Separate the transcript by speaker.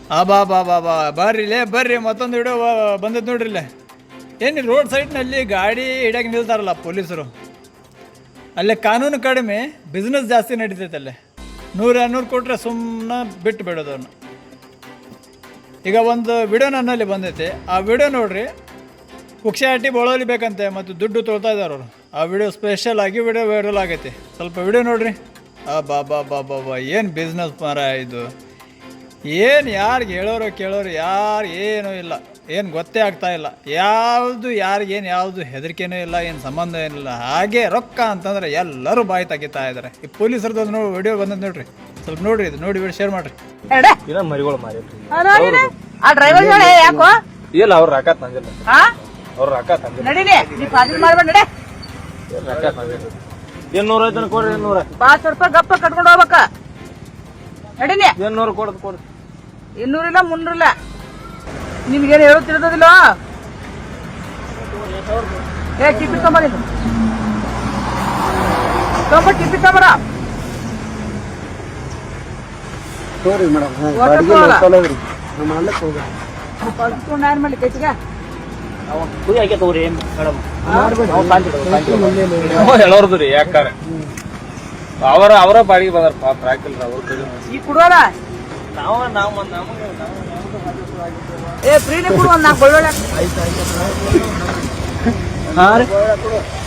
Speaker 1: ಬಾ ಬಾ ಬಾ ಬಾ ಬರ್ರಿಲೇ ಬರ್ರಿ, ಮತ್ತೊಂದು ವಿಡಿಯೋ ಬಂದದ್ದು ನೋಡ್ರಿಲ್ಲೇ. ಏನು ರೋಡ್ ಸೈಡ್ನಲ್ಲಿ ಗಾಡಿ ಹಿಡಿಯೋಕೆ ನಿಲ್ತಾರಲ್ಲ ಪೊಲೀಸರು, ಅಲ್ಲೇ ಕಾನೂನು ಕಡಿಮೆ, ಬಿಸ್ನೆಸ್ ಜಾಸ್ತಿ ನಡೀತೈತೆ ಅಲ್ಲೇ. 100-200 ಕೊಟ್ಟರೆ ಸುಮ್ಮನೆ ಬಿಟ್ಟು ಬಿಡೋದು ಅವನು. ಈಗ ಒಂದು ವಿಡಿಯೋ ನನ್ನಲ್ಲಿ ಬಂದೈತೆ, ಆ ವಿಡಿಯೋ ನೋಡ್ರಿ. ಕುಕ್ಷಾಟಿ ಬಳೋಲಿ ಬೇಕಂತೆ ಮತ್ತು ದುಡ್ಡು ತೊಳ್ತಾ ಇದ್ದಾರೆ ಅವರು. ಆ ವಿಡಿಯೋ ಸ್ಪೆಷಲ್ ಆಗಿ ವಿಡಿಯೋ ವೈರಲ್ ಆಗೈತಿ, ಸ್ವಲ್ಪ ವಿಡಿಯೋ ನೋಡ್ರಿ. ಬಾ ಬಾ ಬಾ ಬಾ ಬಾ ಏನು ಬಿಸ್ನೆಸ್ ಮಾರ ಇದು. ಏನು ಯಾರಿಗೆ ಹೇಳೋರು ಕೇಳೋರು ಯಾರು ಏನೂ ಇಲ್ಲ, ಏನು ಗೊತ್ತೇ ಆಗ್ತಾ ಇಲ್ಲ. ಯಾವುದು ಯಾರಿಗೇನು ಯಾವುದು ಹೆದರಿಕೆನೂ ಇಲ್ಲ, ಏನು ಸಂಬಂಧ ಏನಿಲ್ಲ. ಹಾಗೆ ರೊಕ್ಕ ಅಂತಂದ್ರೆ ಎಲ್ಲರೂ ಬಾಯಿ ತೆಗಿತಾ ಇದ್ದಾರೆ. ಈ ಪೊಲೀಸರದ್ದು ನೋಡಿ ವಿಡಿಯೋ ಬಂದದ್ದು ನೋಡ್ರಿ, ಸ್ವಲ್ಪ ನೋಡ್ರಿ, ಇದು ನೋಡಿ ವಿಡಿಯೋ ಶೇರ್ ಮಾಡ್ರಿ.
Speaker 2: ಮರಿಗಳು
Speaker 3: ಆ ಡ್ರೈವರ್ ಯಾಕೋ
Speaker 2: ಇಲ್ಲ, ಅವ್ರ ರೊಕ್ಕ ತಂದಿಲ್ಲ, ಅವ್ರ ರೊಕ್ಕ ತಂದಿಲ್ಲ.
Speaker 3: ನಡೀಲಿ, ನೀ ಪಾಜಿಲ್ ಮಾಡ್ಬೇಡ ನಡೆ.
Speaker 2: ರೊಕ್ಕ ತಂದಿಲ್ಲ. 800 ಕೊಡ್ರಿ, 800
Speaker 3: 500 ರೂಪಾಯಿ ಗಪ್ಪ ಕಟ್ಕೊಂಡು ಹೋಗ್ಬೇಕ. ನಡೀನಿ,
Speaker 2: 800 ಕೊಡದ್ ಕೊಡ್ರಿ.
Speaker 3: 200 ಇಲ್ಲ 300 ಇಲ್ಲ. ನಿಮ್ಗೇನು ಹೇಳೋದು ತಿಳಿದಿಲ್ಲ. ಟಿಪ್ಪಿ ತೊಂಬರಿ, ಟಿಪ್ಪಿ ತೊಂಬರ. ಏನ್ ಮಾಡ್ಲಿ ಕೈತಿಗ
Speaker 2: ಹೇಳೋರ್ದು ರೀ, ಯಾಕಾರ ಅವರ ಬಾಡಿಗೆ ಬಂದಾರ ಪಾಪ, ಹಾಕಿಲ್ರ ಅವ್ರ
Speaker 3: ಈ ಕುಡುವಲ್ಲ. ಫ್ರೀನೇ ಕೊಡು, ಒಂದು 4 ಬೆಳ್ಳುಳ್ಳಿ.